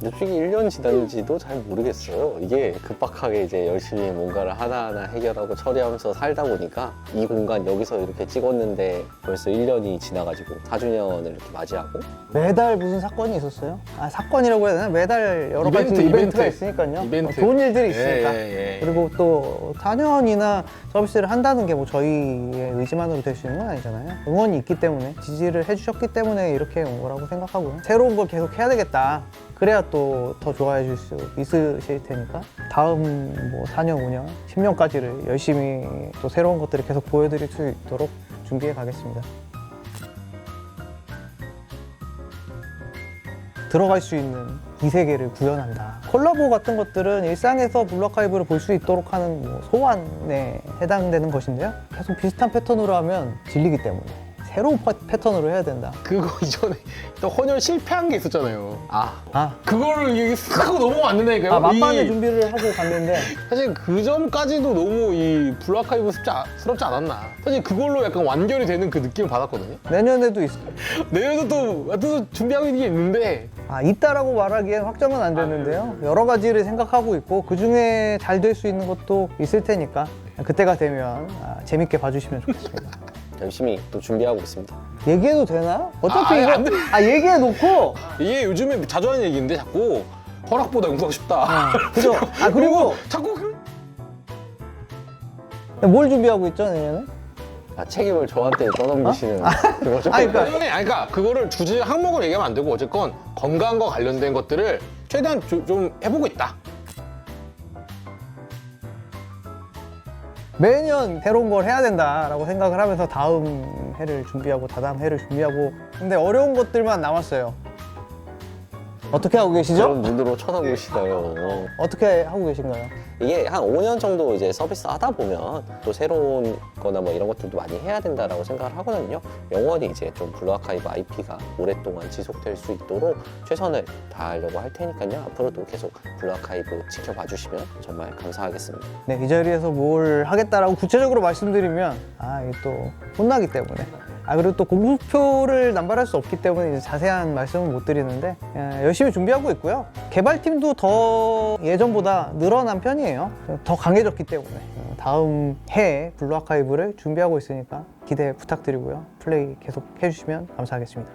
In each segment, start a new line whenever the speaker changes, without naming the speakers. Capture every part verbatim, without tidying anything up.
솔직히 일 년 지났는지도 잘 모르겠어요. 이게 급박하게 이제 열심히 뭔가를 하나하나 해결하고 처리하면서 살다 보니까 이 공간 여기서 이렇게 찍었는데 벌써 일 년이 지나가지고 사 주년을 이렇게 맞이하고
매달 무슨 사건이 있었어요? 아 사건이라고 해야 되나? 매달 여러 가지
이벤트,
이벤트가
이벤트.
있으니까요.
이벤트.
어, 좋은 일들이 있으니까.
예, 예, 예.
그리고 또 사 년이나 서비스를 한다는 게 뭐 저희의 의지만으로 될 수 있는 건 아니잖아요. 응원이 있기 때문에, 지지를 해주셨기 때문에 이렇게 온 거라고 생각하고요. 새로운 걸 계속 해야 되겠다. 그래야 또 더 좋아해 줄 수 있으실 테니까 다음 뭐 사 년, 오 년, 십 년까지를 열심히 또 새로운 것들을 계속 보여드릴 수 있도록 준비해 가겠습니다. 들어갈 수 있는 이 세계를 구현한다. 콜라보 같은 것들은 일상에서 블루아카이브를 볼 수 있도록 하는 뭐 소환에 해당되는 것인데요. 계속 비슷한 패턴으로 하면 질리기 때문에 새로운 파- 패턴으로 해야 된다.
그거 이전에 또 헌혈 실패한 게 있었잖아요.
아
아,
그거를 이게 쓱 하고 넘어가 안 된다니까요.
아 만반의
이-
준비를 하고 갔는데
사실 그 점까지도 너무 이 블루아카이브스럽지 않았나. 사실 그걸로 약간 완결이 되는 그 느낌을 받았거든요.
내년에도 있어.
내년에도 또 하여튼 준비하고 있는 게 있는데
아, 있다라고 말하기엔 확정은 안 되는데요. 여러 가지를 생각하고 있고 그 중에 잘 될 수 있는 것도 있을 테니까 그때가 되면 아, 재밌게 봐주시면 좋겠습니다.
열심히 또 준비하고 있습니다.
얘기해도 되나? 어차피
아,
이거
안 돼.
아 얘기해놓고
이게 요즘에 자주 하는 얘기인데 자꾸 허락보다 용서하고 싶다.
그죠? 아 그리고
자꾸 그-
뭘 준비하고 있죠 내년에?
아 책임을 저한테 떠넘기시는 그거죠?
아니, 그러니까-
아니, 그러니까 그거를 주제 항목을 얘기하면 안 되고 어쨌건 건강과 관련된 것들을 최대한 조- 좀 해보고 있다.
매년 새로운 걸 해야 된다라고 생각을 하면서 다음 해를 준비하고 다다음 해를 준비하고 근데 어려운 것들만 남았어요. 어떻게 하고 계시죠?
그런 눈으로 쳐다보시나요?
어떻게 하고 계신가요?
이게 한 오 년 정도 이제 서비스 하다 보면 또 새로운 거나 뭐 이런 것들도 많이 해야 된다라고 생각을 하거든요. 영원히 이제 좀 블루아카이브 아이피가 오랫동안 지속될 수 있도록 최선을 다하려고 할 테니까요. 앞으로도 계속 블루아카이브 지켜봐 주시면 정말 감사하겠습니다.
네, 이 자리에서 뭘 하겠다라고 구체적으로 말씀드리면 아, 이게 또 혼나기 때문에 아 그리고 또 공수표를 남발할 수 없기 때문에 이제 자세한 말씀은 못 드리는데 예, 열심히 준비하고 있고요. 개발팀도 더 예전보다 늘어난 편이에요. 더 강해졌기 때문에 어, 다음 해에 블루아카이브를 준비하고 있으니까 기대 부탁드리고요. 플레이 계속 해주시면 감사하겠습니다.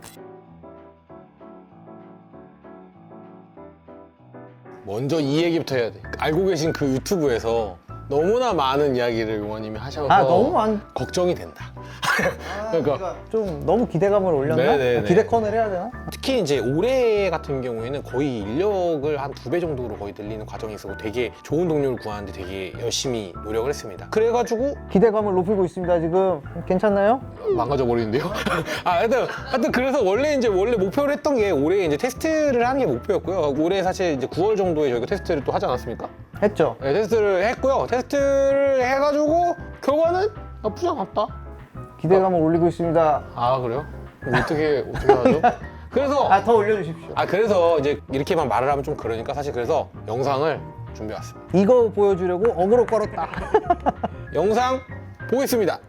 먼저 이 얘기부터 해야 돼. 알고 계신 그 유튜브에서 너무나 많은 이야기를 용원님이 하셔서
아 너무 많.
걱정이 된다.
아,
그러니까.
좀 너무 기대감을 올렸나?
네네네.
기대컨을 해야 되나?
특히 이제 올해 같은 경우에는 거의 인력을 한 두 배 정도로 거의 늘리는 과정이 있었고 되게 좋은 동료를 구하는데 되게 열심히 노력을 했습니다. 그래가지고
기대감을 높이고 있습니다. 지금 괜찮나요?
망가져 버리는데요. 아, 하여튼, 하여튼 그래서 원래 이제 원래 목표를 했던 게 올해 이제 테스트를 하는 게 목표였고요. 올해 사실 이제 구월 정도에 저희가 테스트를 또 하지 않았습니까?
했죠.
네, 테스트를 했고요. 테스트를 해가지고 결과는 나쁘지 않았다.
기대감을 올리고 있습니다.
아 그래요? 그럼 어떻게 어떻게 하죠? 그래서
아 더 올려주십시오.
아 그래서 이제 이렇게만 말을 하면 좀 그러니까 사실 그래서 영상을 준비해왔습니다.
이거 보여주려고 어그로 끌었다.
영상 보겠습니다.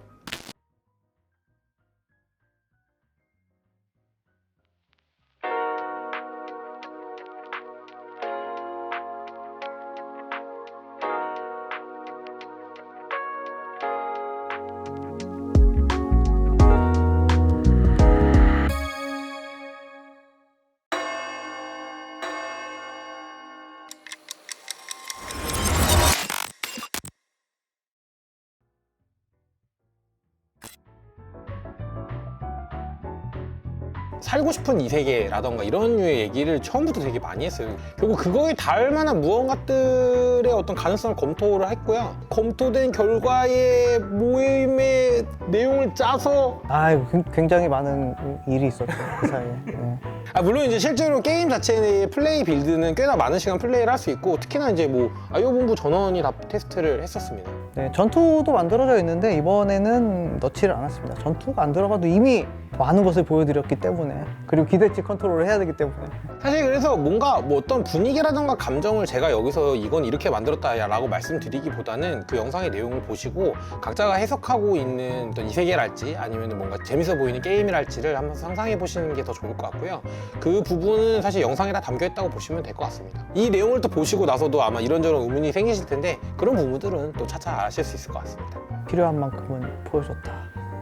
살고 싶은 이 세계라던가 이런 류의 얘기를 처음부터 되게 많이 했어요. 결국 그거에 닿을 만한 무언가들의 어떤 가능성을 검토를 했고요. 검토된 결과의 모임의 내용을 짜서
아 이거 굉- 굉장히 많은 일이 있었죠 그 사이에. 네.
아, 물론 이제 실제로 게임 자체의 플레이 빌드는 꽤나 많은 시간 플레이를 할 수 있고 특히나 이제 뭐 아이오본부 전원이 다 테스트를 했었습니다.
네, 전투도 만들어져 있는데 이번에는 넣지를 않았습니다. 전투가 안 들어가도 이미 많은 것을 보여드렸기 때문에, 그리고 기대치 컨트롤을 해야 되기 때문에.
사실 그래서 뭔가 뭐 어떤 분위기라든가 감정을 제가 여기서 이건 이렇게 만들었다라고 말씀드리기보다는 그 영상의 내용을 보시고 각자가 해석하고 있는 어떤 이 세계랄지 아니면 뭔가 재밌어 보이는 게임이랄지를 한번 상상해 보시는 게 더 좋을 것 같고요. 그 부분은 사실 영상에 다 담겨 있다고 보시면 될 것 같습니다. 이 내용을 또 보시고 나서도 아마 이런저런 의문이 생기실 텐데 그런 부분들은 또 차차 아실 수 있을 것 같습니다.
필요한 만큼은 보여줬다.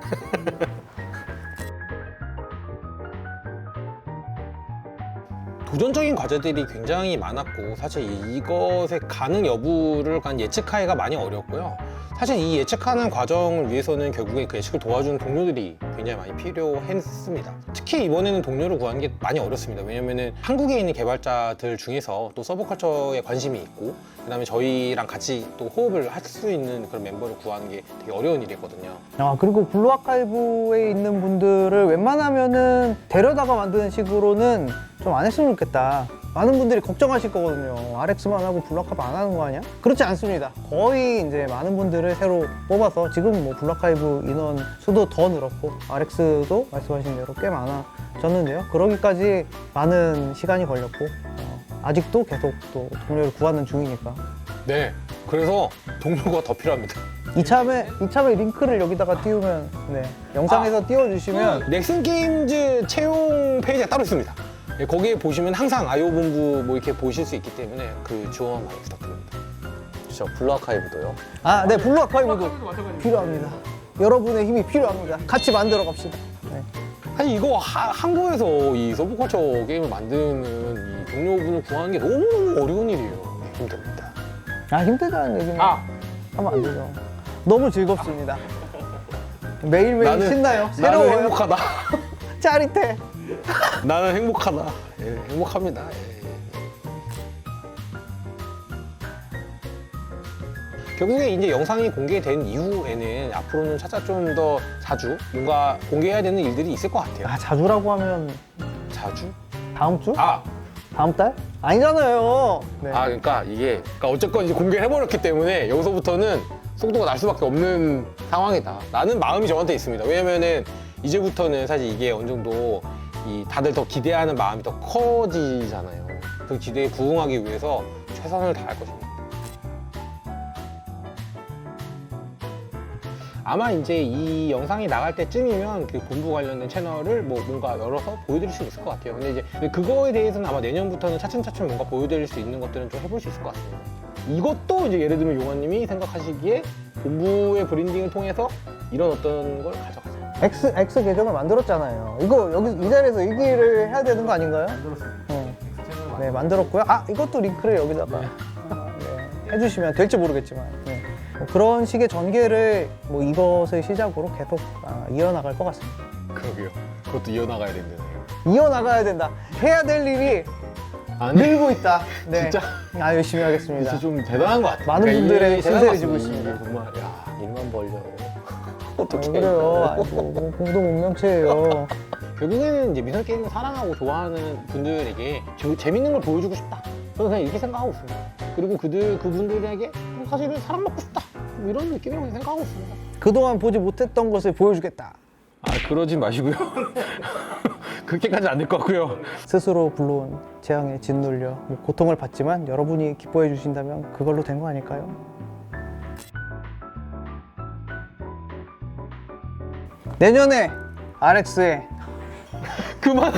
도전적인 과제들이 굉장히 많았고 사실 이것의 가능 여부를 간 예측하기가 많이 어렵고요. 사실 이 예측하는 과정을 위해서는 결국에 그 예측을 도와주는 동료들이 굉장히 많이 필요했습니다. 특히 이번에는 동료를 구하는 게 많이 어렵습니다. 왜냐면은 한국에 있는 개발자들 중에서 또 서브컬처에 관심이 있고 그다음에 저희랑 같이 또 호흡을 할 수 있는 그런 멤버를 구하는 게 되게 어려운 일이거든요.
아, 그리고 블루 아카이브에 있는 분들을 웬만하면은 데려다가 만드는 식으로는 좀 안 했으면 좋겠다. 많은 분들이 걱정하실 거거든요. 알엑스만 하고 블루 아카이브 안 하는 거 아니야? 그렇지 않습니다. 거의 이제 많은 분들을 새로 뽑아서 지금 뭐 블루 아카이브 인원 수도 더 늘었고 알엑스도 말씀하신 대로 꽤 많아졌는데요. 그러기까지 많은 시간이 걸렸고 어, 아직도 계속 또 동료를 구하는 중이니까
네, 그래서 동료가 더 필요합니다.
이참에 이참에 링크를 여기다가 띄우면 네, 영상에서 띄워주시면
그 넥슨 게임즈 채용 페이지가 따로 있습니다. 예, 거기에 보시면 항상 아이오 본부 뭐 이렇게 보실 수 있기 때문에 그 지원 많이 부탁드립니다.
저 블루 아카이브도요.
아, 네, 블루 아카이브도 필요합니다. 여러분의 힘이 필요합니다. 같이 만들어 갑시다. 네.
사실 이거 하- 한국에서 이 서브컬처 게임을 만드는 이 동료분을 구하는 게 너무너무 어려운 일이에요. 네, 힘듭니다.
아, 힘들다는 얘기는
아,
하면 안 되죠. 너무 즐겁습니다. 매일매일
나는-
신나요.
나는
새로워요.
행복하다.
짜릿해.
나는 행복하다. 예, 행복합니다. 예, 예. 결국에 이제 영상이 공개된 이후에는 앞으로는 차차 좀 더 자주 뭔가 공개해야 되는 일들이 있을 것 같아요.
아, 자주라고 하면
자주?
다음 주?
아,
다음 달? 아니잖아요. 네.
아 그러니까 이게 그러니까 어쨌건 이제 공개를 해버렸기 때문에 여기서부터는 속도가 날 수밖에 없는 상황이다. 라는 마음이 저한테 있습니다. 왜냐면은 이제부터는 사실 이게 어느 정도 이 다들 더 기대하는 마음이 더 커지잖아요. 그 기대에 부응하기 위해서 최선을 다할 것입니다. 아마 이제 이 영상이 나갈 때쯤이면 그 본부 관련된 채널을 뭐 뭔가 열어서 보여드릴 수 있을 것 같아요. 근데 이제 그거에 대해서는 아마 내년부터는 차츰차츰 뭔가 보여드릴 수 있는 것들은 좀 해볼 수 있을 것 같습니다. 이것도 이제 예를 들면 용환님이 생각하시기에 본부의 브랜딩을 통해서 이런 어떤 걸 가져가자.
X, X 계정을 만들었잖아요. 이거 여기 이 자리에서 얘기를 해야 되는 거 아닌가요? 만들었어요. 네, 만들었고요. 아, 이것도 링크를 여기다가 네, 해주시면 될지 모르겠지만 네. 뭐 그런 식의 전개를 뭐 이것을 시작으로 계속 아, 이어나갈 것 같습니다.
그러게요. 그것도 이어나가야 된다네요.
이어나가야 된다. 해야 될 일이
아니,
늘고 있다. 네.
진짜?
아, 열심히 하겠습니다.
진짜 좀 대단한 것 같아요.
많은 분들의
이
신세를
대단한
지고
것
있습니다.
같습니다. 정말 야,
일만 벌려.
아, 그래요. 아이고, 뭐 공동 운명체예요.
결국에는 이제 미술 게임을 사랑하고 좋아하는 분들에게 재- 재밌는 걸 보여주고 싶다. 저는 그냥 이렇게 생각하고 있습니다. 그리고 그들 그분들에게 사실은 사랑받고 싶다. 뭐 이런 느낌이라고 생각하고 있습니다.
그동안 보지 못했던 것을 보여주겠다.
아 그러진 마시고요. 그렇게까지 안 될 것 같고요.
스스로 불러온 재앙에 짓눌려 뭐 고통을 받지만 여러분이 기뻐해 주신다면 그걸로 된 거 아닐까요? 내년에 알엑스에
그만.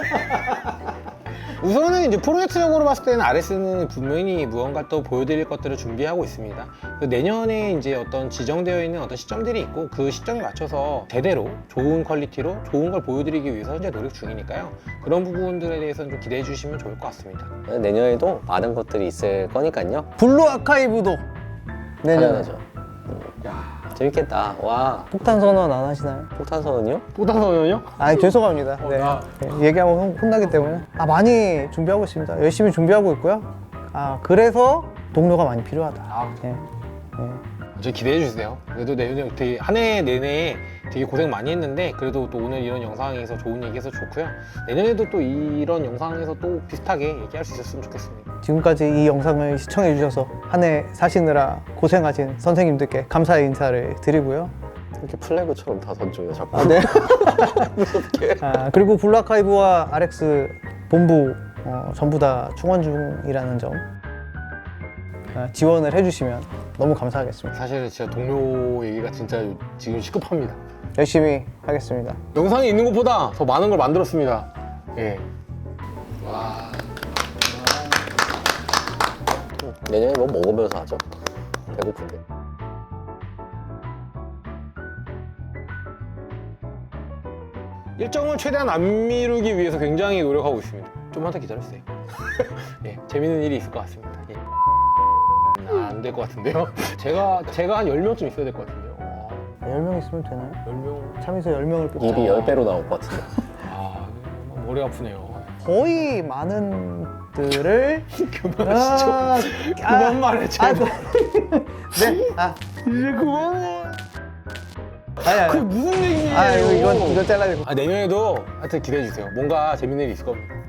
우선은 이제 프로젝트적으로 봤을 때는 알엑스는 분명히 무언가 또 보여드릴 것들을 준비하고 있습니다. 그 내년에 이제 어떤 지정되어 있는 어떤 시점들이 있고 그 시점에 맞춰서 제대로 좋은 퀄리티로 좋은 걸 보여드리기 위해서 현재 노력 중이니까요. 그런 부분들에 대해서는 좀 기대해 주시면 좋을 것 같습니다.
내년에도 많은 것들이 있을 거니까요.
블루 아카이브도 내년에
당연하죠. 음, 재밌겠다. 와,
폭탄 선언 안 하시나요?
폭탄 선언이요?
뿌다선은요?
아, 죄송합니다. 네.
나-
네, 얘기하면 혼- 혼나기 때문에 아, 많이 준비하고 있습니다. 열심히 준비하고 있고요. 아, 그래서 동료가 많이 필요하다.
아,
네. 네.
저 기대해 주세요. 그래도 내년에 되게 한 해 내내 되게 고생 많이 했는데 그래도 또 오늘 이런 영상에서 좋은 얘기해서 좋고요. 내년에도 또 이런 영상에서 또 비슷하게 얘기할 수 있었으면 좋겠습니다.
지금까지 이 영상을 시청해 주셔서 한 해 사시느라 고생하신 선생님들께 감사의 인사를 드리고요.
이렇게 플래그처럼 다 던져요 자꾸.
아, 네.
무섭게.
아, 그리고 블루아카이브와 알엑스 본부 어, 전부 다 충원 중이라는 점 아, 지원을 해주시면 너무 감사하겠습니다.
사실은 진짜 동료 얘기가 진짜 지금 시급합니다.
열심히 하겠습니다.
영상에 있는 것보다 더 많은 걸 만들었습니다. 예. 와.
내년에 뭐 먹으면서 하죠. 배고픈데.
일정을 최대한 안 미루기 위해서 굉장히 노력하고 있습니다. 좀만 더 기다려주세요. 예, 재밌는 일이 있을 것 같습니다. 예. 안 될 것 같은데요? 제가, 제가 한 열 명쯤 있어야 될 것 같은데요. 와,
열 명 있으면 되나요?
열 명.
참에서 열 명을 뽑자.
입이 열 배로 나올 것 같은데.
아, 머리 아프네요.
거의 많은 들을
그만하시죠.
아,
그만 말해,
아,
제발.
네. 아,
이제 그만 말해.
아니,
그게
아니.
무슨 얘기예요?
아, 이거, 이건, 이거 잘라야 되고.
아, 내년에도 하여튼 기대해주세요. 뭔가 재밌는 일이 있을 겁니다.